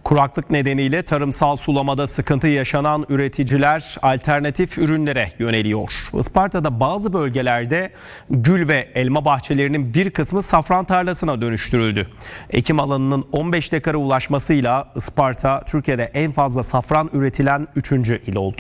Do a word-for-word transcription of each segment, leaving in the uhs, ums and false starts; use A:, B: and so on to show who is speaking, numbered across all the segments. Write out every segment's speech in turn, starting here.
A: Kuraklık nedeniyle tarımsal sulamada sıkıntı yaşanan üreticiler alternatif ürünlere yöneliyor. Isparta'da bazı bölgelerde gül ve elma bahçelerinin bir kısmı safran tarlasına dönüştürüldü. Ekim alanının on beş dekara ulaşmasıyla Isparta Türkiye'de en fazla safran üretilen üçüncü il oldu.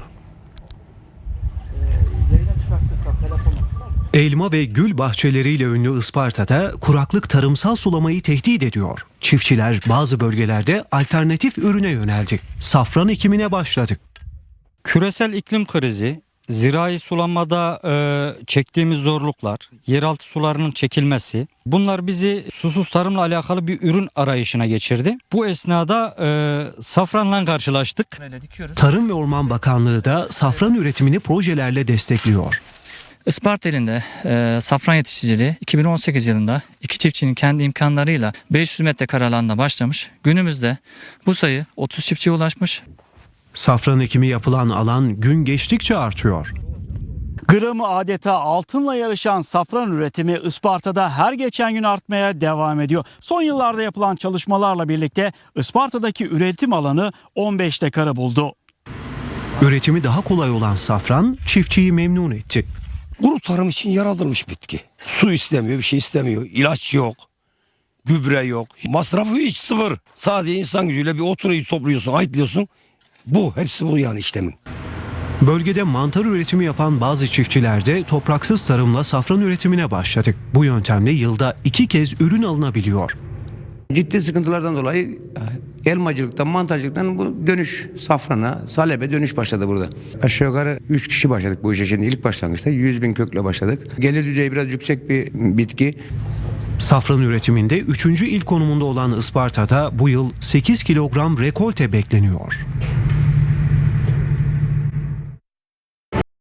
B: Elma ve gül bahçeleriyle ünlü Isparta'da kuraklık tarımsal sulamayı tehdit ediyor. Çiftçiler bazı bölgelerde alternatif ürüne yöneldi. Safran ekimine başladı.
C: Küresel iklim krizi, zirai sulamada e, çektiğimiz zorluklar, yeraltı sularının çekilmesi, bunlar bizi susuz tarımla alakalı bir ürün arayışına geçirdi. Bu esnada e, safranla karşılaştık.
B: Tarım ve Orman Bakanlığı da safran üretimini projelerle destekliyor.
D: Isparta ilinde e, safran yetiştiriciliği iki bin on sekiz yılında iki çiftçinin kendi imkanlarıyla beş yüz metrekare alanda başlamış. Günümüzde bu sayı otuz çiftçiye ulaşmış.
B: Safran ekimi yapılan alan gün geçtikçe artıyor.
E: Gramı adeta altınla yarışan safran üretimi Isparta'da her geçen gün artmaya devam ediyor. Son yıllarda yapılan çalışmalarla birlikte Isparta'daki üretim alanı on beş dekara buldu.
B: Üretimi daha kolay olan safran çiftçiyi memnun etti.
F: Kuru tarım için yaratılmış bitki. Su istemiyor, bir şey istemiyor. İlaç yok, gübre yok. Masrafı hiç sıfır. Sadece insan gücüyle bir oturuyu topluyorsun, ayıtlıyorsun. Bu, hepsi bu yani işlemin.
B: Bölgede mantar üretimi yapan bazı çiftçiler de topraksız tarımla safran üretimine başladı. Bu yöntemle yılda iki kez ürün alınabiliyor.
G: Ciddi sıkıntılardan dolayı elmacılıktan, mantarcılıktan bu dönüş safrana, salebe dönüş başladı burada. Aşağı yukarı üç kişi başladık bu işe şimdi ilk başlangıçta. yüz bin kökle başladık. Gelir düzeyi biraz yüksek bir bitki.
B: Safran üretiminde üçüncü il konumunda olan Isparta'da bu yıl sekiz kilogram rekolte bekleniyor.